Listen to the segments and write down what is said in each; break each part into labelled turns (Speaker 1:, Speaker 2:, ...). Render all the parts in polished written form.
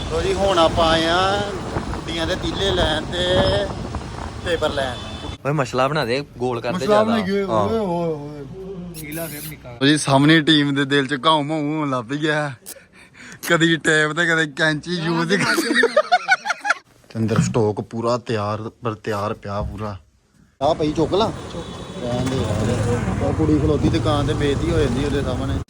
Speaker 1: ਲੋ ਜੀ ਹੁਣ ਆਪਾਂ ਆਏ ਆ ਗੁੱਡੀਆਂ ਦੇ ਤੀਲੇ ਲੈਣ ਤੇ ਪੇਪਰ ਲੈਣ।
Speaker 2: ਓਏ ਮਸਲਾ ਬਣਾ ਦੇ, ਗੋਲ ਕਰਦੇ
Speaker 1: ਜ਼ਿਆਦਾ। ਜੀ ਸਾਹਮਣੇ ਟੀਮ ਦੇ ਦਿਲ ਚ ਘਾਉ ਮਾਉ ਹੋਣ ਲੱਗ ਗਿਆ, ਕਦੀ ਟੇਪ ਤੇ ਕਦੇ ਕੈਂਚੀ ਯੂਜ਼ ਅੰਦਰ ਸਟਾਕ ਪੂਰਾ ਤਿਆਰ ਪਿਆ ਪੂਰਾ। ਆ ਪਈ ਚੁੱਕ ਲਾ ਕਹਿੰਦੇ ਯਾਰ, ਉਹ ਕੁੜੀ ਖਲੋਤੀ ਦੁਕਾਨ ਤੇ ਬੇਇੱਜ਼ਤੀ ਹੋ ਜਾਂਦੀ ਉਹਦੇ ਸਾਹਮਣੇ।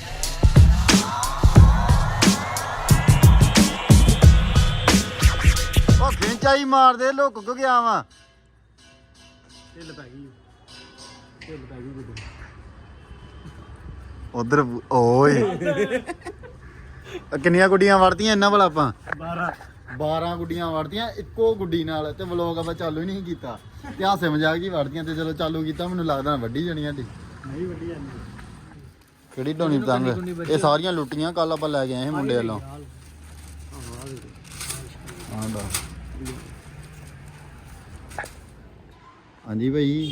Speaker 1: ਉਹ ਖਿੰਚਾਈ ਮਾਰਦੇ ਲੁੱਕ ਕੇ ਗਿਆ ਵਾ। ਢਿੱਲ ਪੈ ਗਈ ਉਧਰ। ਓਏ ਕਿੰਨੀਆਂ ਗੁੱਡੀਆਂ ਵੜਤੀਆਂ ਇਹਨਾਂ ਵਾਲਾ ਆਪਾਂ? 12 ਗੁੱਡੀਆਂ ਵੜਤੀਆਂ ਇੱਕੋ ਗੁੱਡੀ ਨਾਲ, ਤੇ ਵਲੋਗ ਆਪਾਂ ਚਾਲੂ ਹੀ ਨਹੀਂ ਕੀਤਾ ਤੇ ਹਾਸੇ ਮਜ਼ਾਕ ਜੀ ਵੜਤੀਆਂ, ਤੇ ਚਲੋ ਚਾਲੂ ਕੀਤਾ। ਮੈਨੂੰ ਲੱਗਦਾ ਵੱਡੀ ਜਾਣੀ ਸਾਡੀ ਨਹੀਂ ਵੱਡੀ ਜਾਂਦੀ। ਕਿਹੜੀ ਢੋਣੀ ਪਤੰਗ? ਇਹ ਸਾਰੀਆਂ ਲੁੱਟੀਆਂ ਕੱਲ ਆਪਾਂ ਲੈ ਕੇ ਆਏ ਸੀ ਮੁੰਡੇ ਵੱਲੋਂ। ਹਾਂਜੀ ਭਾਈ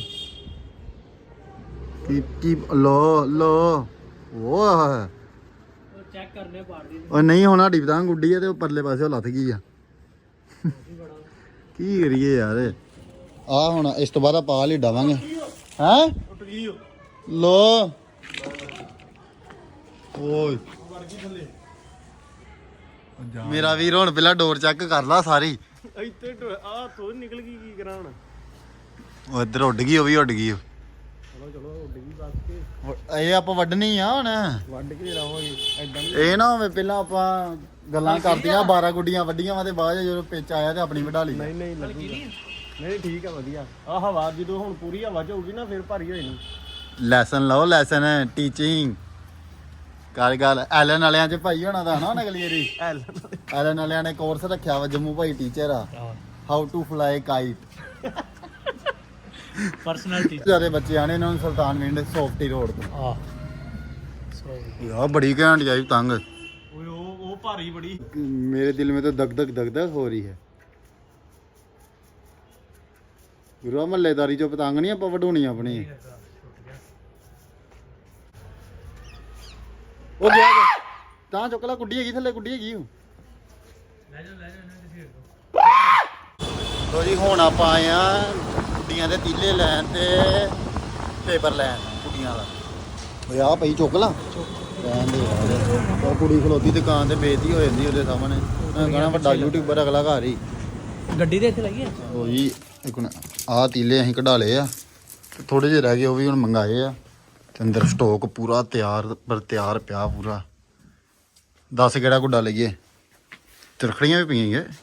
Speaker 1: ਕੀ ਲੋ ਉਹ ਚੈੱਕ ਕਰਨੇ ਪਾੜਦੀ। ਉਹ ਨਹੀਂ ਹੁਣ ਸਾਡੀ ਪਤੰਗ ਉੱਡੀ ਆ ਤੇ ਉਹ ਪਰਲੇ ਪਾਸੇ ਲੱਥ ਗਈ ਆ। ਕੀ ਕਰੀਏ ਯਾਰ। ਆ ਹੁਣ ਇਸ ਤੋਂ ਬਾਅਦ ਆਪਾਂ ਲਈ ਡਾਵਾਂਗੇ। ਹੈ ਟੁੱਟ ਗਈ ਲੋ ਓਏ ਮੇਰਾ ਵੀਰ ਹੁਣ ਪਹਿਲਾਂ ਡੋਰ ਚੈੱਕ ਕਰ ਲਾ ਸਾਰੀ।
Speaker 3: ਇੱਥੇ ਆ ਤੋਂ ਨਿਕਲ ਗਈ, ਕੀ ਕਰਾਂ ਹੁਣ?
Speaker 1: ਉਹ ਇੱਧਰ ਉੱਡ ਗਈ, ਉਹ ਵੀ ਉੱਡ ਗਈ।
Speaker 3: ਚਲੋ ਉੱਡ ਗਈ ਬਸ ਕੇ।
Speaker 1: ਇਹ ਆਪਾਂ ਵੱਢਣੀ ਆ ਹੁਣ,
Speaker 3: ਵੱਢ ਕੇ ਰਹਾਂਗੇ ਐਦਾਂ।
Speaker 1: ਇਹ ਨਾ ਹੋਵੇ ਪਹਿਲਾਂ ਆਪਾਂ ਗੱਲਾਂ ਕਰਦੀਆਂ 12 ਗੁੱਡੀਆਂ ਵੱਡੀਆਂ ਵਾ ਤੇ ਬਾਅਦ ਜਦੋਂ ਪਿੱਚ ਆਇਆ ਤੇ ਆਪਣੀ ਵਢਾ ਲਈ।
Speaker 3: ਨਹੀਂ ਲੱਗੂਗਾ। ਨਹੀਂ ਠੀਕ ਆ ਵਧੀਆ। ਆ ਹਵਾ ਜਦੋਂ ਹੁਣ ਪੂਰੀ ਹਵਾ ਚ ਹੋਊਗੀ ਨਾ ਫਿਰ ਭਾਰੀ ਹੋਈ ਨਹੀਂ।
Speaker 1: ਲੈਸਨ ਲਓ, ਲੈਸਨ ਟੀਚਿੰਗ ਕਰ ਗੱਲ। ਐਲਨ ਵਾਲਿਆਂ ਚ ਭਾਈ ਹੋਣਾ ਦਾ ਨਾ ਅਗਲੀ ਵਾਰੀ। ਐਲਨ ਵਾਲਿਆਂ ਨੇ ਕੋਰਸ ਰੱਖਿਆ ਵਾ, ਜੰਮੂ ਭਾਈ ਟੀਚਰ ਆ, how to fly kite.
Speaker 3: Personal teacher.
Speaker 1: ਜਿਆਦਾ ਬੱਚੇ ਆਣੇ ਇਹਨਾਂ ਨੂੰ ਸੁਲਤਾਨਵਿੰਡ ਸੌਫਟੀ ਰੋਡ ਤੋਂ।
Speaker 3: ਆ
Speaker 1: ਯਾਰ ਬੜੀ ਘੈਂਟ ਜਾਈ ਪਤੰਗ।
Speaker 3: ਓਏ ਉਹ ਭਾਰੀ ਬੜੀ।
Speaker 1: मेरे दिल में तो दग दग हो रही है। ਗੁਰੂ ਮਹੱਲੇਦਾਰੀ ਚੋਂ ਪਤੰਗ ਨਹੀਂ ਆਪਾਂ ਵਢਾਉਣੀ ਆਪਣੀ। ਉਹ ਗਿਆ ਤਾਂ ਚੁੱਕ ਲੈ, ਗੁੱਡੀ ਹੈਗੀ ਥੱਲੇ, ਗੁੱਡੀ ਹੈਗੀ ਉਹ। ਲੋ ਜੀ ਹੁਣ ਆਪਾਂ ਆਏ ਆ ਗੁੱਡੀਆਂ ਦੇ ਤੀਲੇ ਲੈਣ ਤੇ ਪੇਪਰ ਲੈਣ ਗੁੱਡੀਆਂ ਦਾ। ਓਏ ਆ ਪਈ ਚੁੱਕ ਲਾ ਕਹਿੰਦੇ ਯਾਰ, ਉਹ ਕੁੜੀ ਖਲੋਤੀ ਦੁਕਾਨ ਤੇ ਬੇਇੱਜ਼ਤੀ ਹੋ ਜਾਂਦੀ ਉਹਦੇ ਸਾਹਮਣੇ। ਕਹਣਾ ਵੱਡਾ ਯੂਟਿਊਬਰ ਅਗਲਾ ਘਰ ਹੀ।
Speaker 3: ਗੱਡੀ ਦੇ ਇੱਥੇ ਲੱਗੀ ਆ।
Speaker 1: ਉਹ ਜੀ ਇੱਕ ਆਹ ਤੀਲੇ ਅਸੀਂ ਕਢਾ ਲਏ ਆ, ਥੋੜੇ ਜਿਹੇ ਰਹਿ ਗਏ, ਉਹ ਵੀ ਹੁਣ ਮੰਗਾਏ ਆ। ਤੇ ਅੰਦਰ ਸਟਾਕ ਪੂਰਾ ਤਿਆਰ ਪਿਆ ਪੂਰਾ। ਦੱਸ ਕਿਹੜਾ ਗੁੱਡਾ ਲਈਏ? ਤਿਰਖੜੀਆਂ ਵੀ ਪਈਆਂ ਗਏ।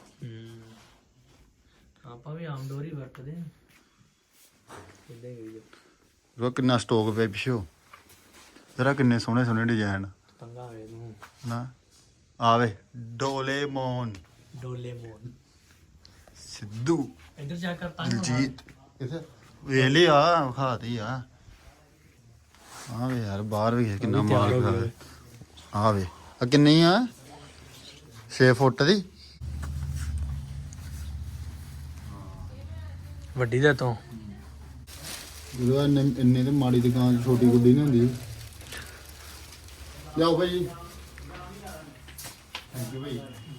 Speaker 3: ਆਪਾਂ ਵੀ ਆਮ ਡੋਰੀ ਵਰਤਦੇ ਆ।
Speaker 1: ਉਹ ਕਿੰਨਾ ਸਟਾਕ ਪਿਆ ਪਿਛੋ ਜਰਾ, ਕਿੰਨੇ ਸੋਹਣੇ ਸੋਹਣੇ ਡਿਜ਼ਾਈਨ।
Speaker 3: ਤੰਗਾ ਆਵੇ ਨੂੰ
Speaker 1: ਨਾ ਆਵੇ ਡੋਲੇਮੋਨ ਸਿੱਧੂ
Speaker 3: ਇੱਧਰ ਜਾ ਕਰ ਤਾਂ
Speaker 1: ਦਿਲਜੀਤ ਵੇਲੇ ਆ ਖਾਤੀ ਆ। ਆ ਵੇ ਯਾਰ ਬਾਹਰ ਵੀ ਕਿੰਨਾ ਮਾਲ ਖਾਵੇ। ਆ ਵੇ ਆ ਕਿੰਨੀ ਆ? 6 ਫੁੱਟ ਦੀ
Speaker 3: ਵੱਡੀ ਦੇ ਤੋਂ।
Speaker 1: ਜਦੋਂ ਇੰਨੇ ਤੇ ਮਾੜੀ ਦੁਕਾਨ ਛੋਟੀ ਗੁੱਡੀ ਨਹੀਂ ਹੁੰਦੀ। ਲਿਆਓ ਭਾਈ। ਥੈਂਕ ਯੂ ਭਾਈ।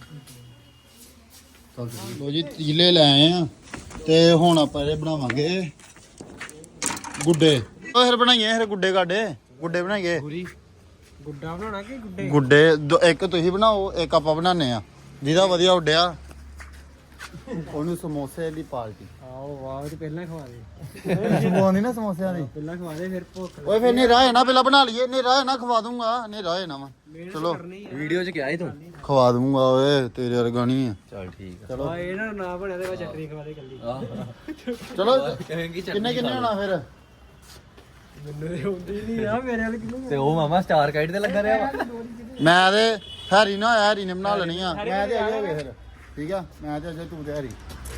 Speaker 1: ਲੋ ਜੀ ਤੀਲੇ ਲੈ ਆਏ ਆ ਤੇ ਹੁਣ ਆਪਾਂ ਇਹ ਬਣਾਵਾਂਗੇ ਗੁੱਡੇ। ਉਹ ਫਿਰ ਬਣਾਈਏ ਫਿਰ ਗੁੱਡੇ ਗੁੱਡੇ ਬਣਾਈਏ।
Speaker 3: ਗੁੱਡਾ ਬਣਾਉਣਾ ਕਿ ਗੁੱਡੇ?
Speaker 1: ਗੁੱਡੇ ਇੱਕ ਤੁਸੀਂ ਬਣਾਓ, ਇੱਕ ਆਪਾਂ ਬਣਾਉਂਦੇ ਆ। ਜਿਹਦਾ ਵਧੀਆ ਉੱਡਿਆ ਉਹਨੂੰ ਸਮੋਸੇ ਦੀ ਪਾਰਟੀ।
Speaker 3: ਆਓ ਵਾਹ, ਤੇ ਪਹਿਲਾਂ ਖਵਾ ਦੇ।
Speaker 1: ਖਵਾਉਣੀ ਨਾ ਸਮੋਸਿਆਂ ਦੀ,
Speaker 3: ਪਹਿਲਾਂ ਖਵਾ ਦੇ ਫਿਰ ਭੁੱਖ।
Speaker 1: ਓਏ ਫਿਰ ਨੇਰਾ ਹੈ ਨਾ, ਪਹਿਲਾਂ ਬਣਾ ਲਈਏ। ਨੇਰਾ ਹੈ ਨਾ ਖਵਾ ਦੂੰਗਾ, ਨੇਰਾ ਹੈ ਨਾ ਵਾ। ਚਲੋ
Speaker 2: ਵੀਡੀਓ 'ਚ ਕਿਹਾ ਸੀ ਤੂੰ
Speaker 1: ਖਵਾ ਦੂੰਗਾ। ਓਏ ਤੇਰੇ ਵਰਗਾ ਨਹੀਂ ਆ।
Speaker 2: ਚੱਲ ਠੀਕ ਆ।
Speaker 1: ਚਲੋ
Speaker 3: ਆ ਇਹਨਾਂ ਨਾ ਬਣਿਆ ਤੇ ਚਟਨੀ ਖਵਾ ਦੇ ਕੱਲੀ।
Speaker 1: ਚਲੋ
Speaker 2: ਕਹੇਂਗੀ
Speaker 1: ਕਿੰਨੇ ਹੋਣਾ ਫਿਰ?
Speaker 3: ਮੈਨੂੰ ਤੇ ਹੁੰਦੀ ਨਹੀਂ ਆ, ਮੇਰੇ ਵਾਲੇ ਕਿੰਨੂੰ।
Speaker 2: ਤੇ ਉਹ ਮਾਮਾ ਸਟਾਰ ਕਾਈਟ ਤੇ ਲੱਗਾ ਰਿਹਾ ਵਾ।
Speaker 1: ਮੈਂ ਤੇ ਹੈਰੀ ਨਾ ਹੋਇਆ, ਹੈਰੀ ਨੇ ਬਣਾ ਲੈਣੀ ਆ। ਮੈਂ ਤੇ ਆਈ ਹੋਵੇ ਫਿਰ ਠੀਕ ਆ। ਮੈਂ ਤੇ ਅਜੇ ਤੂੰ ਤੇ ਹੈਰੀ।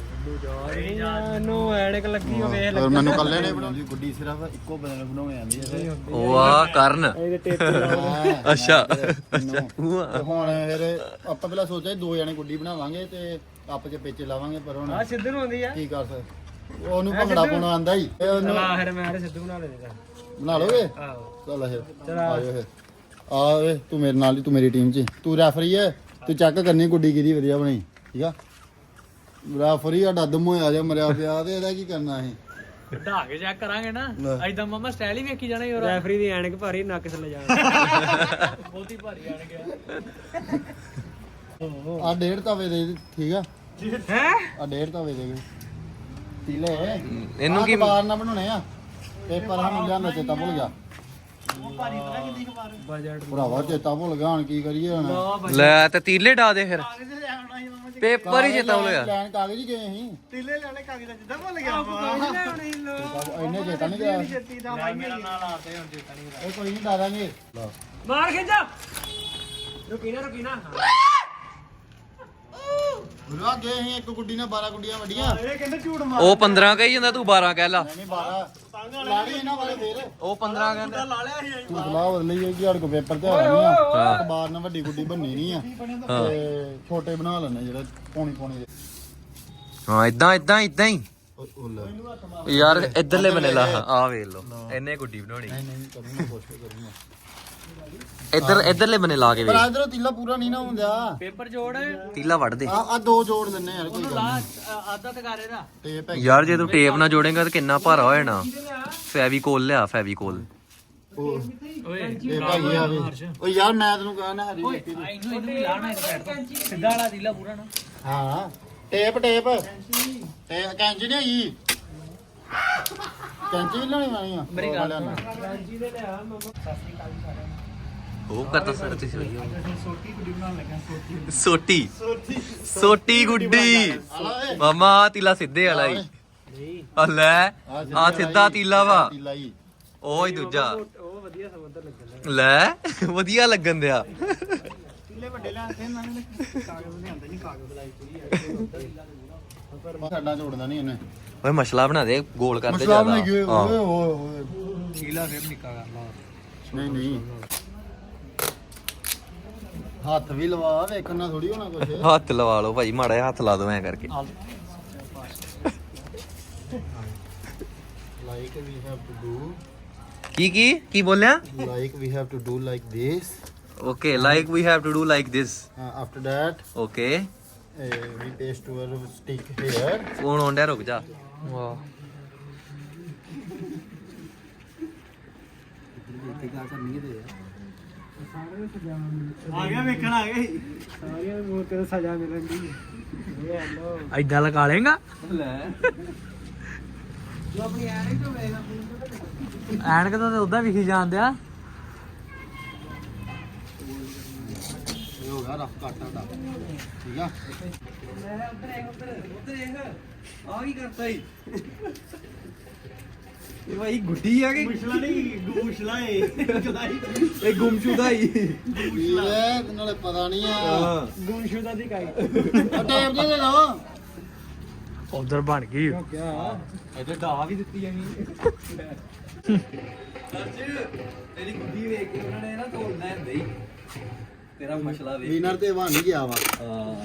Speaker 3: ਨੂੰ ਐਨਕ ਲੱਗੀ ਹੋਵੇ
Speaker 1: ਔਰ ਮੈਨੂੰ ਕੱਲੇ ਨੇ ਬਣਾਉਣੀ ਗੁੱਡੀ, ਸਿਰਫ ਇੱਕੋ ਬੰਦੇ ਨੂੰ ਬਣਾਉਣੀ ਆਉਂਦੀ ਹੈ।
Speaker 2: ਉਹ ਆ ਕਰਨ।
Speaker 3: ਇਹਦੇ ਟੇਪ
Speaker 2: ਅੱਛਾ।
Speaker 1: ਤੇ ਹੁਣ ਫਿਰ ਆਪਾਂ ਪਹਿਲਾਂ ਸੋਚਿਆ 2 ਜਣੇ ਗੁੱਡੀ ਬਣਾਵਾਂਗੇ ਤੇ ਆਪਸ ਚ ਪੇਚੇ ਲਾਵਾਂਗੇ, ਪਰ ਹੁਣ
Speaker 3: ਆ ਸਿੱਧੂ ਨੂੰ ਆਉਂਦੀ ਆ।
Speaker 1: ਕੀ ਕਰ ਸਕਦੇ, ਉਹਨੂੰ ਭੰਗੜਾ ਪਾਉਣਾ ਆਂਦਾ ਹੀ। ਉਹਨੂੰ
Speaker 3: ਫਿਰ ਮੈਂ ਸਿੱਧੂ ਬਣਾ ਲੈਂਦਾ।
Speaker 1: ਬਣਾ ਲੋਗੇ?
Speaker 3: ਆਹੋ
Speaker 1: ਚੱਲ ਫਿਰ ਆਇਓ ਫਿਰ। ਆ ਵੇ ਤੂੰ ਮੇਰੇ ਨਾਲ ਹੀ, ਤੂੰ ਮੇਰੀ ਟੀਮ 'ਚ। ਤੂੰ ਰੈਫਰੀ ਹੈ, ਤੇ ਚੈੱਕ ਕਰਨੀ ਗੁੱਡੀ ਕਿਹਦੀ ਵਧੀਆ ਬਣੀ ਠੀਕ ਆ ਰੈਫਰੀ ਆ ਡੱਦਮ ਹੋਇਆ ਜਾਂ ਮਰਿਆ ਪਿਆ ਤੇ ਇਹਦਾ ਕੀ ਕਰਨਾ ਅਸੀਂ
Speaker 4: ਢਾ ਕੇ ਚੈੱਕ ਕਰਾਂਗੇ ਨਾ ਐਦਾਂ ਮਾਮਾ ਸਟਾਈਲ ਹੀ ਵੇਖੀ ਜਾਣਾ ਯਾਰ
Speaker 3: ਰੈਫਰੀ ਦੀ ਐਨਕ ਭਾਰੀ ਨੱਕ ਥੱਲੇ ਜਾਣਾ
Speaker 4: ਬਹੁਤੀ ਭਾਰੀ ਆਣ ਗਿਆ
Speaker 1: ਆ 1.5 ਤਵੇ ਦੇ ਠੀਕ ਆ
Speaker 4: ਹੈ
Speaker 1: ਆ 1.5 ਤਵੇ ਦੇ ਤੀਲੇ
Speaker 2: ਇਹਨੂੰ ਕੀ
Speaker 1: ਬਾਰ ਨਾ ਬਣਾਉਣੇ ਆ ਪੇਪਰ ਸਾਨੂੰ ਲਿਆਂਦਾ ਚੇਤਾ ਭੁੱਲ ਗਿਆ
Speaker 3: ਬਜਟ
Speaker 1: ਭਰਾਵਾ ਚੇਤਾ ਭੁੱਲ ਗਿਆ ਹੁਣ ਕੀ ਕਰੀਏ ਹੁਣ
Speaker 2: ਲੈ ਤੇ ਤੀਲੇ ਡਾ ਦੇ ਫਿਰ ਪੇਪਰ ਹੀ ਚੇਤਾ ਹੋ ਗਿਆ
Speaker 1: ਲੈਣ ਕਾਗਜ਼ ਹੀ ਗਏ ਅਸੀਂ
Speaker 3: ਤੀਲੇ ਲੈਣੇ ਕਾਗਜ਼ ਦਾ ਜਿੱਦਾਂ ਭੁੱਲ ਗਿਆ
Speaker 1: ਇੰਨੇ ਚੇਤਾ ਨਹੀਂ ਗਿਆ
Speaker 3: ਛੇਤੀ ਦਾ ਮੇਰਾ ਨਾਲ ਆਤੇ ਹੁਣ ਚੇਤਾ ਨਹੀਂ
Speaker 1: ਇਹ ਕੋਈ ਨਹੀਂ ਡਾਰਾਂਗੇ
Speaker 4: ਮਾਰ ਖਿੱਚਾ ਰੁਕੀ ਨਾ
Speaker 1: ਗੁਰੂਆ ਗਏ ਅਸੀਂ ਇੱਕ ਗੁੱਡੀ ਨਾਲ 12 ਗੁੱਡੀਆਂ ਵੱਡੀਆਂ
Speaker 3: ਇਹ ਕਹਿੰਦੇ ਝੂਠ ਮਾਰ
Speaker 2: ਉਹ 15 ਕਹੀ ਜਾਂਦਾ ਤੂੰ 12 ਕਹਿ ਲਾ
Speaker 1: ਨਹੀਂ 12 ਲਾੜੀ ਇਹਨਾਂ ਵਾਲੇ ਫੇਰ
Speaker 2: ਉਹ 15 ਕਹਿੰਦਾ
Speaker 3: ਲਾ ਲਿਆ ਸੀ
Speaker 1: ਤੂੰ ਸਲਾਹ ਬਦਲੀ ਹੈ ਕਿ ਹੜ ਕੋ ਪੇਪਰ ਤੇ ਆਣੀ ਆ ਅਖਬਾਰ ਨਾਲ ਵੱਡੀ ਗੁੱਡੀ ਬੰਨੀ ਨਹੀਂ ਆ ਤੇ ਛੋਟੇ ਬਣਾ ਲੈਣੇ ਜਿਹੜੇ ਪੌਣੀ ਦੇ
Speaker 2: ਹਾਂ ਇਦਾਂ ਹੀ
Speaker 1: ਉਹ ਲੈ
Speaker 2: ਯਾਰ ਇਧਰਲੇ ਬਨੇ ਲਾ ਆ ਵੇਖ ਲੋ ਇਹਨੇ ਗੁੱਡੀ ਬਣਾਉਣੀ
Speaker 1: ਨਹੀਂ ਕਰੂੰਗਾ ਕੋਸ਼ਿਸ਼ ਕਰੂੰਗਾ
Speaker 2: ਇਧਰਲੇ ਬਨੇ ਲਾ ਕੇ
Speaker 1: ਪਰ
Speaker 2: ਵੇਖ
Speaker 1: ਇਧਰੋਂ ਤੀਲਾ ਪੂਰਾ ਨਹੀਂ ਨਾ ਹੁੰਦਾ
Speaker 4: ਪੇਪਰ ਜੋੜ
Speaker 2: ਤੀਲਾ ਵੱਢ ਦੇ
Speaker 1: ਆ ਦੋ ਜੋੜ ਦਿੰਨੇ ਯਾਰ ਕੋਈ ਗੱਲ ਨਹੀਂ
Speaker 4: ਆਧਾ ਤਕਾਰੇ ਦਾ
Speaker 1: ਟੇਪ ਹੈ
Speaker 2: ਯਾਰ ਜੇ ਤੂੰ ਟੇਪ ਨਾਲ ਜੋੜੇਗਾ ਤਾਂ ਕਿੰਨਾ ਭਾਰਾ ਹੋ ਜਾਣਾ ਫੈਵੀਕੋਲ ਲਿਆ ਫੈਵੀਕੋਲ
Speaker 1: ਉਹ
Speaker 4: ਓਏ
Speaker 1: ਟੇਪ ਹੈਗੀ ਆ ਵੀ ਓ ਯਾਰ ਮੈਂ ਤੈਨੂੰ ਕਹਾਂ ਨਾ ਹਰੀ ਮਿੱਟੀ ਦੀ
Speaker 4: ਇਹਨੂੰ ਵੀ ਲਾਣਾ ਇੱਕ ਸਾਈਡ ਤੋਂ ਸਿੱਧਾ ਵਾਲਾ ਦੀਲਾ ਪੂਰਾ ਨਾ
Speaker 1: ਹਾਂ ਟੇਪ ਤੇ ਕੈਂਚੀ ਨਹੀਂ ਹੈਗੀ ਕੈਂਚੀ ਵੀ ਲੈਣੀ ਆਣੀ ਆ
Speaker 4: ਮੇਰੀ ਗੱਲ
Speaker 3: ਰਾਂਜੀ ਦੇ ਲਿਆ ਮਮਾ
Speaker 2: ਉਹ ਕਰਦਾ ਸਰ ਤੁਸੀਂ
Speaker 3: ਸੋਟੀ ਗੁੱਡੀ ਬਣਾਉਣ ਲੱਗਾ
Speaker 2: ਸੋਟੀ ਗੁੱਡੀ ਮਾਮਾ ਆਹ ਤੀਲਾ ਸਿੱਧੇ ਵਾਲਾ ਹੀ
Speaker 3: ਨਹੀਂ
Speaker 2: ਆ ਲੈ ਆ ਸਿੱਧਾ ਤੀਲਾ ਵਾ
Speaker 1: ਤੀਲਾ ਹੀ
Speaker 2: ਉਹ ਹੀ ਦੂਜਾ
Speaker 3: ਉਹ ਵਧੀਆ ਸਮਝਦਾ ਲੱਗਦਾ
Speaker 2: ਲੈ ਵਧੀਆ ਲੱਗਣ ਦਿਆ
Speaker 3: ਤੀਲੇ ਵੱਡੇ ਲਿਆਂਦੇ ਇਹਨਾਂ ਨੇ ਕਾਗਜ਼ ਲਿਆਂਦੇ ਨਹੀਂ ਕਾਗਜ਼ ਲਾਈ ਪੂਰੀ
Speaker 1: ਸਾਡਾ ਜੋੜਦਾ ਨਹੀਂ ਇਹਨੇ
Speaker 2: ਓਏ ਮਸਲਾ ਬਣਾ ਦੇ ਗੋਲ ਕਰਦੇ
Speaker 1: ਮਸਲਾ
Speaker 2: ਜ਼ਿਆਦਾ
Speaker 1: ਬਣਾ ਗਏ
Speaker 2: ਹਾਂ।
Speaker 1: ਓਏ ਓਏ
Speaker 3: ਤੀਲਾ ਫਿਰ ਨਿੱਕਾ ਕਰ ਲਾ
Speaker 1: ਨਹੀਂ ਹੱਥ ਵੀ ਲਵਾ ਵੇਖਣ ਨਾਲ ਥੋੜੀ ਹੋਣਾ ਕੁਛ
Speaker 2: ਹੱਥ ਲਵਾ ਲਓ ਭਾਈ ਮਾੜਾ ਜਿਹਾ ਹੱਥ ਲਾ ਦੋ ਐ ਕਰਕੇ
Speaker 1: like we have to do
Speaker 2: ਕੀ ਬੋਲਿਆ
Speaker 1: like we have to do like this
Speaker 2: okay like we have to do like this
Speaker 1: after that
Speaker 2: okay
Speaker 1: we paste our stick here
Speaker 2: ਫੋਨ ਆਉਣ ਡਿਆ ਰੁਕ ਜਾ ਵਾਹ
Speaker 3: ਆ ਗਿਆ ਵੇਖਣ ਆ ਗਿਆ ਸਾਰਿਆਂ ਨੂੰ ਮੂੰਹ ਤੇ ਸਜ਼ਾ ਮਿਲਣ ਦੀ ਇਹ ਹੈਲੋ
Speaker 4: ਐਦਾਂ ਲਗਾ ਲੇਗਾ
Speaker 2: ਲੈ
Speaker 3: ਤੂੰ ਆਪਣੀ ਐਨਕ ਤੋਂ ਵੇਖ
Speaker 4: ਐਨਕ ਤਾਂ ਉਦਾਂ ਵਿਖੀ ਜਾਂਦਿਆ
Speaker 1: ਇਹ ਹੋ ਗਿਆ ਰਫ ਕੱਟ ਦਾ ਠੀਕ ਆ
Speaker 2: ਆ ਕੀ ਕਰਤਾ ਈ ਇਹ ਭਾਈ ਗੁੱਡੀ ਆ ਕਿ
Speaker 3: ਮੁਸ਼ਲਾ ਨਹੀਂ ਗੂਸ਼ਲਾ ਏ ਚਲਾਈ
Speaker 2: ਇਹ ਗੁੰਮਸ਼ੁਦਾ ਹੀ
Speaker 1: ਇਹ ਨਾਲੇ ਪਤਾ ਨਹੀਂ ਆ
Speaker 3: ਗੁੰਸ਼ੁਦਾ ਦੀ ਕਾਈ
Speaker 1: ਟੇਪ ਦੇ ਲਓ
Speaker 4: ਉਧਰ ਬਣ ਗਈ
Speaker 3: ਕਿਆ
Speaker 2: ਇਹਦੇ ਢਾ ਵੀ ਦਿੱਤੀ ਐਵੇਂ ਤੇਰੀ ਗੁੱਡੀ ਵੇਖ ਕੇ ਉਹਨਾਂ ਨੇ ਨਾ ਤੋੜਨਾ ਹੁੰਦੇ ਹੀ ਤੇਰਾ ਮਸਲਾ ਵੇਖ
Speaker 1: ਵਿਨਰ ਤੇ ਬਣ ਹੀ ਗਿਆ ਵਾ
Speaker 2: ਹਾਂ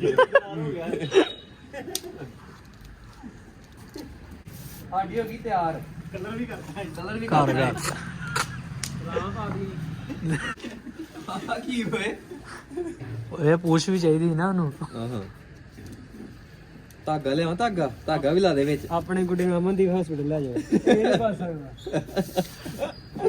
Speaker 2: ਸਾਡੀ ਹੋ ਗਈ ਤਿਆਰ
Speaker 3: ਕਲਰ ਵੀ ਕਰਦਾ
Speaker 2: ਕਲਰ ਵੀ
Speaker 4: ਕਰ ਗਿਆ
Speaker 3: ਰਾਮ ਆ ਗਈ
Speaker 2: ਆ ਕੀ ਹੋਏ
Speaker 4: ਇਹ ਪੂਛ ਵੀ ਚਾਹੀਦੀ ਸੀ ਨਾ ਉਹਨੂੰ
Speaker 2: ਆਹਾਂ ਧਾਗਾ ਲਿਆਵਾਂ ਧਾਗਾ ਵੀ ਲਾ ਦੇ ਵਿੱਚ
Speaker 3: ਆਪਣੇ ਗੁੱਡੇ ਨੂੰ ਅਮਨਦੀਪ ਹਸਪੀਟਲ ਲੈ ਜਾਓ ਇਹ ਨਹੀਂ ਬਸ ਸਕਦਾ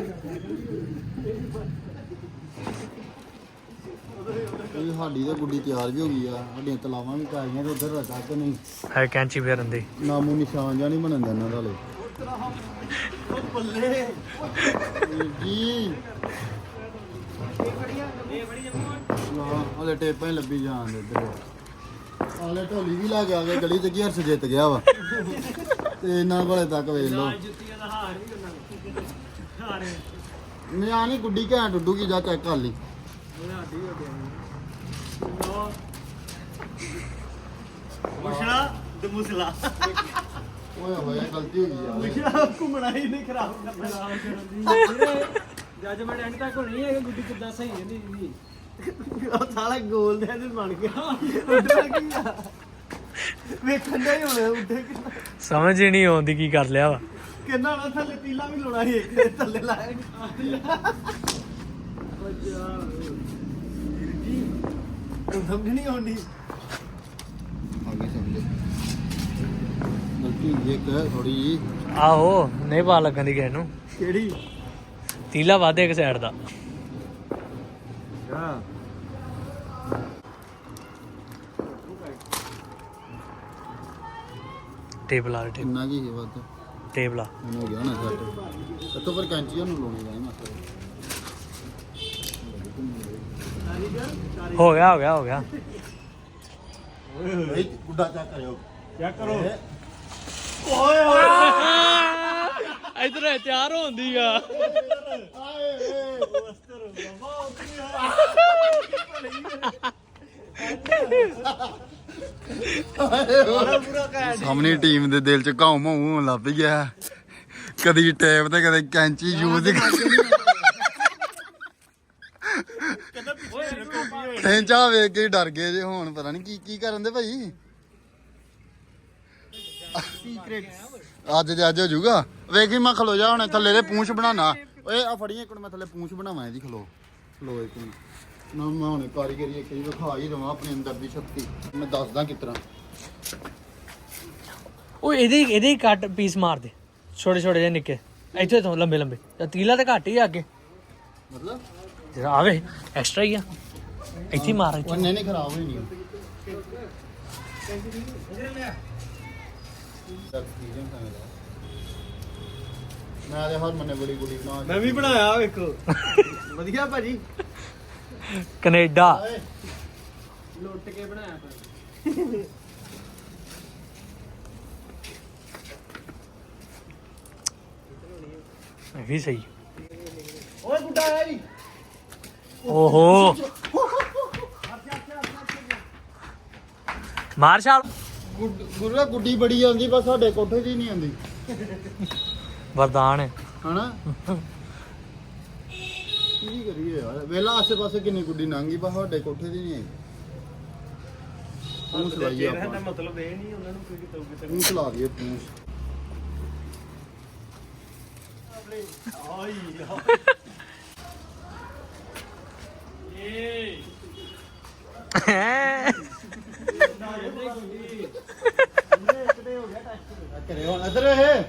Speaker 1: ਇਹ ਸਾਡੀ ਤਾਂ ਗੁੱਡੀ ਤਿਆਰ ਵੀ ਹੋ ਗਈ ਆ ਸਾਡੀਆਂ ਤਲਾਵਾਂ ਵੀ ਪੈ ਗਈਆਂ ਤੇ ਉਧਰ ਰੱਖਾ ਕਿ ਨਹੀਂ
Speaker 4: ਹੈ ਕੈਂਚੀ ਫੇਰਨ ਦੀ
Speaker 1: ਨਾਮੋ ਨਿਸ਼ਾਨ ਜਾਂ ਨਹੀਂ ਬਣਨ ਦਿੰਦਾ ਇਹਨਾਂ ਦਾ
Speaker 3: ਬੱਲੇ
Speaker 1: ਜੀ ਹਾਂ ਹਲੇ ਟੇਪਾਂ ਹੀ ਲੱਭੀ ਜਾਣ ਦੇ ਇੱਧਰ ਹਾਲੇ ਢੋਲੀ ਵੀ ਲਾ ਕੇ ਆ ਗਏ ਗਲੀ ਚ ਕੀ ਹਰਸ਼ ਜਿੱਤ ਗਿਆ ਵਾ ਤੇ ਇਹਨਾਂ ਕੋਲੇ ਤੱਕ ਵੇਖ ਲਓ
Speaker 3: ਜੁੱਤੀਆਂ ਦਾ ਹਾਰ ਵੀ ਉਹਨਾਂ ਹਾਰ
Speaker 1: ਮੈਂ ਨਹੀਂ ਗੁੱਡੀ ਘੈਂਟ ਉੱਡੂ ਕੀ ਜਾ ਚੈੱਕ ਕਰ ਲਈ
Speaker 3: ਸਾਡੀ ਹੋ ਗਿਆ ਮੁਸ਼ਲਾ ਤੇ ਮੁਸਲਾ
Speaker 1: ਓਏ ਹੋਏ ਗਲਤੀ ਹੋ ਗਈ ਯਾਰ
Speaker 3: ਮੁਸ਼ਲਾ ਘੁੰਮਣਾ ਹੀ ਨਹੀਂ ਖਰਾਬ ਕਰਨਾ ਜੱਜਮੈਂਟ ਐਂਡ ਤੱਕ ਹੋਣੀ ਹੈ ਕਿ ਗੁੱਡੀ ਕਿੱਦਾਂ ਸਹੀ ਹੈ ਨਹੀਂ ਉਹ ਸਾਲਾ ਗੋਲ ਦੇ ਤੇ ਬਣ ਗਿਆ ਉੱਡਣਾ ਕੀ ਆ ਵੇਖਣ ਦਾ ਹੀ ਹੋਣਾ ਉੱਡੇ ਕਿੰਨਾ
Speaker 4: ਸਮਝ ਹੀ ਨਹੀਂ ਆਉਂਦੀ ਕੀ ਕਰ ਲਿਆ ਵਾ
Speaker 3: ਕਿੰਨਾ ਨਾ ਥੱਲੇ ਤੀਲਾ ਵੀ ਲਾਉਣਾ ਸੀ ਇੱਕ ਦੇ ਥੱਲੇ ਲਾਇਆ ਸਮਝ ਨਹੀਂ ਆਉਂਦੀ
Speaker 1: ਆਗੇ ਸਮਝੇ ਗਲਤੀ ਹੋਈ ਇੱਕ ਥੋੜੀ ਜੀ
Speaker 4: ਆਹੋ ਨਹੀਂ ਪਾ ਲੱਗਣ ਦੀ ਕਿਸੇ ਨੂੰ
Speaker 3: ਕਿਹੜੀ
Speaker 4: ਤੀਲਾ ਵਾਧੇ ਇੱਕ ਸਾਈਡ ਦਾ
Speaker 3: ਹਾਂ
Speaker 4: ਟੇਬਲ ਆ ਟੇਬਲ
Speaker 1: ਕਿੰਨਾ ਕੀ ਹੈ ਵੱਧ
Speaker 4: ਟੇਬਲ ਆ
Speaker 1: ਮੈਨੂੰ ਹੋ ਗਿਆ ਨਾ ਸੈੱਟ ਇੱਥੋਂ ਪਰ ਕੈਂਚੀਆਂ ਨੂੰ ਲਾਉਣੀ ਜਾਏ ਮਸਲਾ
Speaker 4: ਹੋ ਗਿਆ
Speaker 1: ਭਾਈ ਗੁੱਡਾ ਚੈੱਕ ਕਰਿਓ
Speaker 3: ਚੈੱਕ ਕਰੋ
Speaker 4: ਇਧਰ ਤਿਆਰ ਹੁੰਦੀ ਆ
Speaker 1: ਸਾਹਮਣੀ ਟੀਮ ਦੇ ਦਿਲ ਚ ਘਾਉ ਮਾਉ ਹੋਣ ਲੱਗ ਗਿਆ ਕਦੀ ਟੇਪ ਤੇ ਕਦੇ ਕੈਂਚੀ ਯੂਜ਼ ਟੈਂਚਾ ਵੇਖ ਕੇ ਹੀ ਡਰ ਗਏ ਜੇ ਹੁਣ ਪਤਾ ਨਹੀਂ ਕੀ ਕਰਨ ਦੇ ਭਾਈ ਅੱਜ ਦੇ ਅੱਜ ਹੋ ਜਾਊਗਾ ਵੇਖੀ ਮੈਂ ਖਲੋ ਜਾ ਹੁਣ ਥੱਲੇ ਦੇ ਪੂੰਛ ਬਣਾਣਾ ਓਏ ਆ ਫੜੀਏ ਇੱਕ ਮੈਂ ਥੱਲੇ ਪੂੰਛ ਬਣਾਵਾਂ ਇਹਦੀ ਖਲੋ ਇੱਕ ਮਿੰਟ ਨਾ ਮੈਂ ਹੁਣ ਕਾਰੀਗਰੀ ਇੱਕ ਹੀ ਵਿਖਾ ਹੀ ਦਵਾਂ ਆਪਣੇ ਅੰਦਰ ਦੀ ਸ਼ਕਤੀ ਮੈਂ ਦੱਸਦਾ ਕਿਸ ਤਰ੍ਹਾਂ
Speaker 4: ਉਹ ਇਹਦੇ ਕੱਟ ਪੀਸ ਮਾਰ ਦੇ ਛੋਟੇ ਛੋਟੇ ਜਿਹੇ ਨਿੱਕੇ ਇੱਥੇ ਤੋਂ ਲੰਬੇ ਲੰਬੇ ਤਾਂ ਤੀਲਾ ਤਾਂ ਘੱਟ ਹੀ ਆ ਅੱਗੇ
Speaker 1: ਮਤਲਬ
Speaker 4: ਜਿਹੜਾ ਆਵੇ ਐਕਸਟਰਾ ਹੀ ਆ ਇੱਥੇ ਹੀ ਮਾਰ ਇੱਥੇ
Speaker 1: ਉਹ ਨਹੀਂ ਖਰਾਬ ਹੋਈ ਨਹੀਂ ਮੈਂ ਤੇ ਹਰ ਮੰਨੇ ਬੜੀ ਗੁੱਡੀ ਬਣਾ
Speaker 3: ਮੈਂ ਵੀ ਬਣਾਇਆ ਵੇਖੋ ਵਧੀਆ ਭਾਜੀ
Speaker 4: ਕੈਨੇਡਾ
Speaker 3: ਲੁੱਟ ਕੇ ਬਣਾਇਆ ਭਾਜੀ
Speaker 4: ਇਹ ਵੀ ਸਹੀ
Speaker 3: ਓਏ ਗੁੱਡਾ ਆਇਆ ਜੀ
Speaker 4: ਓਹੋ ਮਾਰਸ਼ਲ
Speaker 1: ਗੁਰੂਆ ਗੁੱਡੀ ਬੜੀ ਆਉਂਦੀ ਬਸ ਸਾਡੇ ਕੋਠੇ 'ਚ ਹੀ ਨਹੀਂ ਆਉਂਦੀ
Speaker 4: ਵਰਦਾਨ ਹੈ
Speaker 1: ਹਨਾ ਕੀ ਕਰੀਏ ਯਾਰ ਵੇਲਾ ਆਸੇ ਪਾਸੇ ਕਿੰਨੀ ਗੁੱਡੀ ਲੰਘੀ ਬਸ ਸਾਡੇ ਕੋਠੇ 'ਚ ਨਹੀਂ ਆਈ ਪੂੰਛ ਲਾਈਏ ਆਪਾਂ
Speaker 3: ਮਤਲਬ ਇਹ ਨਹੀਂ ਉਹਨਾਂ ਨੂੰ ਕੋਈ ਕਿਤੇ
Speaker 1: ਪੂੰਛ ਲਾ ਦਈਏ ਪੂੰਛ ਕਰੇ ਹੁਣ ਇੱਧਰ ਇਹ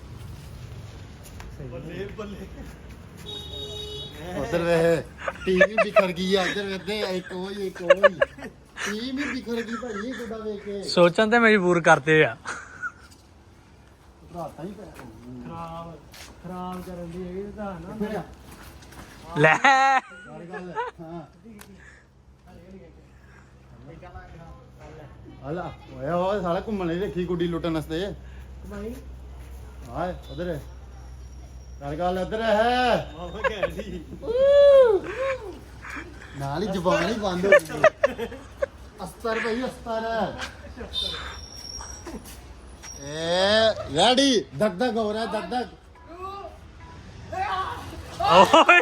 Speaker 1: ਉਧਰ ਵੇ ਟੀਵੀ ਬਿਖਰ ਗਈ ਆ ਇੱਧਰ ਵੇਦੇ ਇੱਕ ਹੋਈ ਟੀਵੀ ਵੀ ਬਿਖਰ ਗਈ ਭਾਈ ਗੁੱਡਾ ਵੇਖ ਕੇ
Speaker 4: ਸੋਚਣ ਤੇ ਮਜਬੂਰ ਕਰਦੇ ਆ
Speaker 1: ਰਾਤਾਂ ਹੀ ਪੈ
Speaker 3: ਖਰਾਬ ਕਰਨ ਦੀ ਇਹ ਤਾਂ ਨਾ
Speaker 4: ਲੈ
Speaker 1: ਗੱਲ ਹਾਂ ਹਲਾ ਓਏ ਸਾਲਾ ਘੁੰਮਣ ਲਈ ਰੱਖੀ ਗੁੱਡੀ ਲੁੱਟਣ ਵਾਸਤੇ
Speaker 3: ਭਾਈ
Speaker 1: ਹਾਏ ਉਧਰ ਗੱਲ ਇੱਧਰ ਹੈ
Speaker 3: ਆਹ ਕਹਿ
Speaker 1: ਨਾਲ ਹੀ ਜ਼ਬਾਨ ਹੀ ਬੰਦ ਹੋ ਗਈ ਅਸਤਰ ਭਾਈ ਅਸਤਰ ਏ ਰੈਡੀ ਧਕ ਧਕ ਹੋ ਰਿਹਾ ਧਕ ਧਕ
Speaker 4: ਓਏ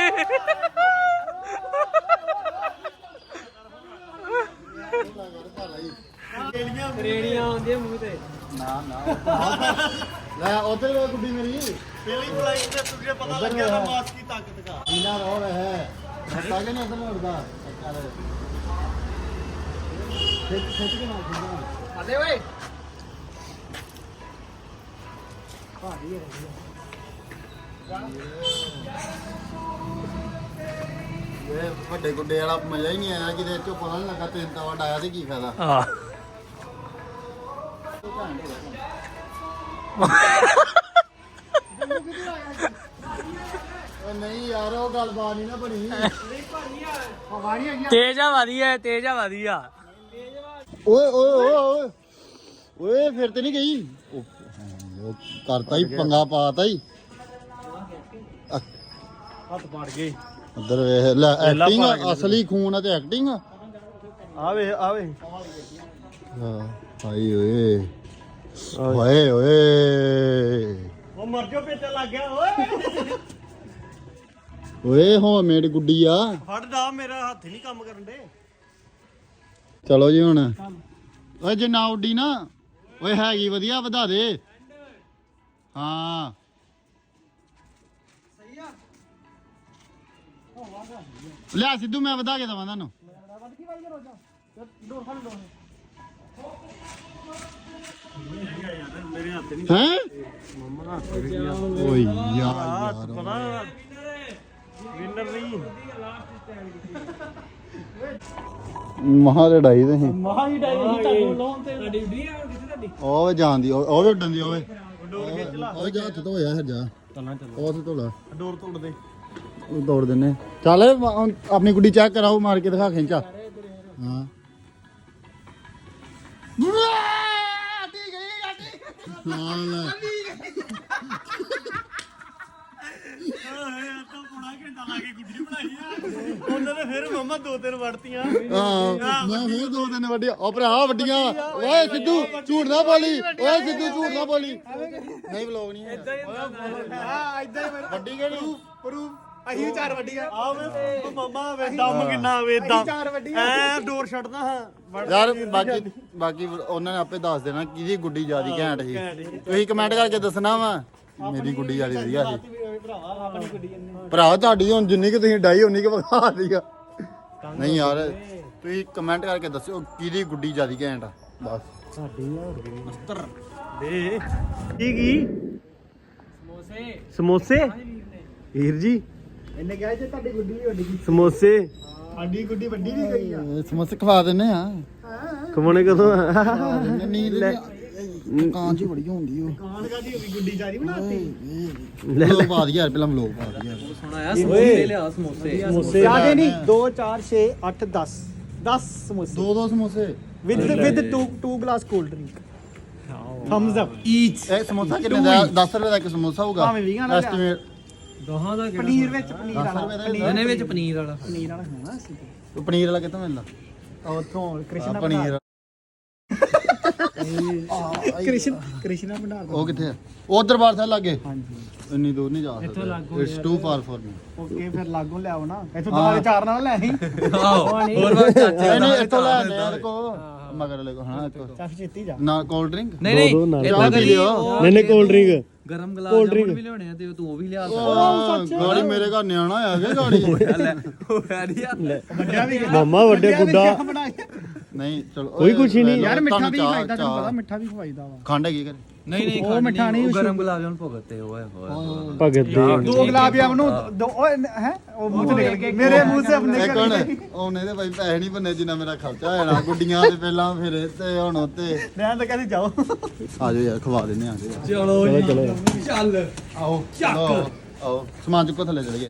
Speaker 3: ਰੇੜੀਆਂ ਆਉਂਦੀਆਂ ਮੂੰਹ ਤੇ
Speaker 1: ਨਾ ਲੈ ਉਧਰ ਵੇ ਗੁੱਡੀ ਮੇਰੀ
Speaker 3: ਪਹਿਲੀ ਬੁਲਾਈ ਤੇ ਤੁਝੇ ਪਤਾ ਲੱਗਿਆ ਨਾ ਮਾਸ ਕੀ ਤਾਕਤ ਦਾ
Speaker 1: ਨੀਲਾ ਰੋਹ ਹੈ ਹੱਟਾ ਕੇ ਨਹੀਂ ਉਧਰ ਮੁੜਦਾ ਚੱਲ ਖਿੱਚ ਕੇ ਮਾਰ ਦਿੰਦਾ
Speaker 3: ਆਦੇ ਓਏ
Speaker 1: ਇਹ ਵੱਡੇ ਗੁੱਡੇ ਵਾਲਾ ਮਜ਼ਾ ਹੀ ਨਹੀਂ ਆਇਆ ਕਿਤੇ ਚੋਂ ਪਤਾ ਨਹੀਂ ਲੱਗਾ ਤਿੰਨ ਤਵਾ ਡਾਇਆ ਤੇ ਕੀ ਫਾਇਦਾ
Speaker 4: ਆ
Speaker 1: ਓ ਨਹੀਂ ਯਾਰ ਉਹ ਗੱਲਬਾਤ ਨਹੀਂ ਨਾ ਬਣੀ ਹਵਾ ਨਹੀਂ ਆਈ
Speaker 4: ਤੇਜ ਆ ਵਧੀਆ
Speaker 1: ਓਏ ਓਏ ਓਏ ਓਏ ਓਏ ਫਿਰ ਤੇ ਨਹੀਂ ਗਈ ਉਹ ਕਰਤਾ ਹੀ ਪੰਗਾ ਪਾਤਾ ਹੀ
Speaker 3: ਹੱਥ ਪਾੜ ਗਏ
Speaker 1: ਉਧਰ ਵੇਖ ਲੈ ਐਕਟਿੰਗ ਅਸਲੀ ਖੂਨ ਆ ਤੇ ਐਕਟਿੰਗ
Speaker 3: ਆਵੇ
Speaker 1: ਹਾਂ ਹਾਈ ਓਏ ਓਏ ਓਏ
Speaker 3: ਉਹ ਮਰ ਜੋ ਪੇਟਾ ਲੱਗ ਗਿਆ ਓਏ
Speaker 1: ਓਏ ਹੋਮਮੇਡ ਗੁੱਡੀ ਆ
Speaker 3: ਫੜ ਦਾ ਮੇਰਾ ਹੱਥ ਹੀ ਨਹੀਂ ਕੰਮ ਕਰਨ ਦੇ
Speaker 1: ਚਲੋ ਜੀ ਹੁਣ ਓਏ ਜੇ ਨਾ ਉੱਡੀ ਨਾ ਓਏ ਹੈਗੀ ਵਧੀਆ ਵਧਾ ਦੇ ਹਾਂ ਲੈ ਸਿੱਧੂ ਮੈਂ ਵਧਾ ਕੇ ਦਵਾਂ ਤੁਹਾਨੂੰ
Speaker 3: ਮੇਰੇ ਹੱਥ ਨਹੀਂ
Speaker 1: ਹੈ
Speaker 3: ਮੰਮਾ ਦਾ ਹੱਥ ਵੀ ਗਿਆ
Speaker 1: ਓਏ ਯਾਰ
Speaker 3: ਪਤਾ ਵਿਨਰ ਨਹੀਂ
Speaker 1: ਮਹਾ ਲੜਾਈ ਤੇ ਸੀ
Speaker 3: ਮਹਾ ਹੀ ਡਾਈ ਤੁਹਾਨੂੰ ਲਾਉਣ ਤੇ ਤੁਹਾਡੀ ਵੀ ਆ ਕਿੱਥੇ ਤੁਹਾਡੀ
Speaker 1: ਉਹ ਜਾਂਦੀ ਉਹ ਵੀ ਉੱਡਣ ਦੀ ਓਏ ਉਹ ਜਾ ਹੱਥ ਧੋਇਆ ਹਰ ਜਾ
Speaker 3: ਚੱਲਾਂ ਚੱਲ
Speaker 1: ਉਹ ਤੇ ਧੋਲਾ
Speaker 3: ਡੋਰ ਤੋੜ ਦੇ
Speaker 1: ਉਹ ਦੌੜ ਦਿੰਨੇ ਚੱਲ ਹੁਣ ਆਪਣੀ ਗੁੱਡੀ ਚੈੱਕ ਕਰਾਓ ਮਾਰ ਕੇ ਦਿਖਾ ਖਿੰਚਾ ਹਾਂ
Speaker 3: ਤਾਂ ਪੌਣਾ ਘੰਟਾ ਲਾ ਕੇ ਗੁੱਡੀ ਬਣਾਈ ਆ ਉਹਨਾਂ ਨੇ ਫਿਰ ਮੰਮਾ ਦੋ ਤਿੰਨ ਵੜਤੀਆਂ
Speaker 1: ਹਾਂ ਮੈਂ ਫੇਰ ਦੋ ਦਿਨ ਵੱਡੀਆਂ ਉਹ ਭਰਾ ਵੱਡੀਆਂ ਓਏ ਸਿੱਧੂ ਝੂਠ ਨਾ ਬੋਲੀ ਓਏ ਸਿੱਧੂ ਝੂਠ ਨਾ ਬੋਲੀ ਨਹੀਂ ਵਲੋਗ ਨਹੀਂ
Speaker 3: ਹਾਂ ਇਦਾਂ ਹੀ
Speaker 1: ਵੱਡੀ ਕਿਹੜੀ
Speaker 3: ਪ੍ਰੂਫ ਅਸੀਂ ਵੀ ਚਾਰ ਵੱਡੀਆਂ ਆ ਵੇ ਮੰਮਾ ਵੇ ਦਮ ਕਿੰਨਾ ਵੇ ਦਮ ਚਾਰ ਵੱਡੀਆਂ ਐ ਡੋਰ ਛੱਡਦਾ ਹਾਂ
Speaker 1: ਯਾਰ ਬਾਕੀ ਉਹਨਾਂ ਨੇ ਆਪੇ ਦੱਸ ਦੇਣਾ ਕਿਹਦੀ ਗੁੱਡੀ ਜਿਆਦੀ ਘੈਂਟ ਸੀ ਤੁਸੀਂ ਕਮੈਂਟ ਕਰਕੇ ਦੱਸਣਾ ਵਾ ਮੇਰੀ ਗੁੱਡੀ ਜਿਆਦੀ ਵਧੀਆ ਸੀ
Speaker 3: ਭਰਾਵਾ ਆਪਣੀ ਗੱਡੀ
Speaker 1: ਭਰਾ ਤੁਹਾਡੀ ਹੁਣ ਜਿੰਨੀ ਕਿ ਤੁਸੀਂ ਡਾਈ ਉਨੀ ਕਿ ਵਧਾ ਦੀਆ ਨਹੀਂ ਯਾਰ ਤੁਸੀਂ ਕਮੈਂਟ ਕਰਕੇ ਦੱਸਿਓ ਕਿਹਦੀ ਗੁੱਡੀ ਜਿਆਦੀ ਘੈਂਟ ਆ ਬਸ
Speaker 3: ਸਾਡੀ ਆ ਮਸਤਰ ਦੇ ਕੀ ਸਮੋਸੇ ਵੀਰ ਜੀ ਇਹਨੇ ਕਿਹਾ ਜੇ ਤੁਹਾਡੀ ਗੁੱਡੀ ਵੀ ਵੱਡੀ ਸਮੋਸੇ ਸਾਡੀ ਗੁੱਡੀ ਵੱਡੀ ਵੀ ਗਈ ਆ
Speaker 1: ਸਮੋਸੇ ਖਵਾ ਦਿੰਨੇ ਆ
Speaker 3: ਕਮਾਉਣੇ ਕਦੋਂ
Speaker 1: ਨੀਂਦ ਕਾਂ ਜੀ ਬੜੀ ਹੁੰਦੀ ਉਹ
Speaker 3: ਕਾਨ ਕਾਦੀ ਹੋਈ ਗੁੱਡੀ ਚਾਰੀ ਬਣਾਤੀ
Speaker 1: ਲੋਕ ਪਾ ਦੀ ਯਾਰ ਪਹਿਲਾਂ ਲੋਕ ਪਾ ਦੀ ਯਾਰ
Speaker 2: ਸੋਹਣਾ ਆ ਸਮੋਸੇ ਲਿਆ ਸਮੋਸੇ
Speaker 3: ਸਮੋਸੇ ਜਿਆਦੇ ਨਹੀਂ 2 4 6 8 10 10 ਸਮੋਸੇ
Speaker 1: ਦੋ ਸਮੋਸੇ
Speaker 3: with 2 glass cold drink Thums Up each
Speaker 1: ਇਹ ਸਮੋਸਾ ਕਿੰਨੇ ਦਾ 10 ਰੁਪਏ ਦਾ ਇੱਕ ਸਮੋਸਾ ਹੋਊਗਾ
Speaker 3: ਭਾਵੇਂ 20 ਵਾਲਾ ਲਿਆ।
Speaker 1: ਐਸਟੀਮੇਟ
Speaker 2: ਦੋਹਾਂ ਦਾ
Speaker 3: ਪਨੀਰ ਵਿੱਚ ਪਨੀਰ ਵਾਲਾ
Speaker 2: ਇਹਨੇ ਵਿੱਚ ਪਨੀਰ ਵਾਲਾ
Speaker 3: ਪਨੀਰ ਵਾਲਾ ਹੋਣਾ ਸੀ
Speaker 1: ਪਨੀਰ ਵਾਲਾ ਕਿੱਥੋਂ ਮਿਲਦਾ
Speaker 3: ਉੱਥੋਂ ਕ੍ਰਿਸ਼ਨਾ
Speaker 1: ਪਨੀਰ
Speaker 3: ਕ੍ਰਿਸ਼ਨਾ ਭੰਡਾਰ
Speaker 1: ਉਹ ਕਿੱਥੇ ਆ ਉਹ ਦਰਬਾਰ ਸਾਹਿਬ ਲਾਗੇ
Speaker 3: ਹਾਂਜੀ
Speaker 1: ਇੰਨੀ ਦੂਰ ਨਹੀਂ ਜਾ ਸਕਦਾ it's too far for me
Speaker 3: okay ਫਿਰ ਲਾਗੋਂ ਲਿਆਓ ਨਾ ਇੱਥੋਂ ਦੁਬਾਰੇ ਚਾਰ ਨਾਲ ਲੈ ਆਈ
Speaker 2: ਆਹੋ ਹੋਰ ਬਾਤ ਚਾਚੇ
Speaker 1: ਨਹੀਂ ਇੱਥੋਂ ਲੈ ਲੈ ਕੋ ਮਗਰ ਲੈ ਕੋ ਹਾਂ ਇੱਥੋਂ
Speaker 3: ਚਾਹ ਛੇਤੀ ਜਾ
Speaker 1: ਨਾ ਕੋਲਡ ਡਰਿੰਕ
Speaker 2: ਨਹੀਂ ਇਦਾਂ ਕਰੀ
Speaker 3: ਨਹੀਂ ਕੋਲਡ ਡਰਿੰਕ
Speaker 2: ਗਰਮ ਗਲਾਸ ਜਾਮੁਨ ਵੀ ਲਿਆਉਣੇ ਆ ਤੇ ਤੂੰ ਉਹ ਵੀ ਲਿਆ
Speaker 1: ਗਾੜੀ ਮੇਰੇ ਘਰ ਨਿਆਣਾ ਆ ਗਿਆ ਗਾੜੀ
Speaker 2: ਉਹ ਫੈਰੀਆ
Speaker 3: ਵੱਡਿਆ ਵੀ
Speaker 5: ਮਾਮਾ ਵੱਡੇ ਗੁੱਡਾ
Speaker 1: ਨਹੀਂ ਚਲੋ
Speaker 5: ਕੋਈ ਕੁਛ ਹੀ ਨਹੀਂ।
Speaker 3: ਯਾਰ ਮਿੱਠਾ ਵੀ ਖਾਈਦਾ ਤੁਹਾਨੂੰ ਪਤਾ ਮਿੱਠਾ ਵੀ ਖਵਾਈਦਾ ਵਾ
Speaker 1: ਖੰਡ ਹੈਗੀ ਘਰੇ
Speaker 2: ਨਹੀਂ
Speaker 3: ਉਹ ਮਿੱਠਾ ਨਹੀਂ,
Speaker 2: ਉਹ ਗਰਮ ਗੁਲਾਬ ਜਾਮੁਨ ਭੁਗਤੇ ਓਏ ਹੋਏ
Speaker 5: ਭਗਤ ਦੇ
Speaker 3: 2 ਗੁਲਾਬ ਜਾਮਨ ਨੂੰ ਦੋ ਓਏ ਹੈ ਉਹ ਮੂੰਹ ਨਿਕਲ ਗਏ ਮੇਰੇ ਮੂੰਹ ਸੇ ਆਪਣੇ
Speaker 1: ਇਹ ਕੌਣ ਉਹਨੇ ਤੇ ਭਾਈ ਪੈਸੇ ਨਹੀਂ ਬੰਨੇ ਜਿੰਨਾ ਮੇਰਾ ਖਰਚਾ ਹੋਣਾ ਗੁੱਡੀਆਂ ਤੇ ਪਹਿਲਾਂ ਫਿਰ ਤੇ ਹੁਣ ਉੱਤੇ
Speaker 3: ਮੈਂ ਤਾਂ ਕਹਿੰਦੀ ਜਾਓ
Speaker 1: ਆ ਜਾਓ ਯਾਰ ਖਵਾ ਦਿੰਨੇ ਆ ਜਾਓ
Speaker 2: ਚਲੋ ਚਲੋ ਚੱਲ
Speaker 1: ਆਓ ਚੱਕ ਆਓ ਸਮਾਨ ਚੁੱਕੋ ਥੱਲੇ ਚਲੇ ਗਏ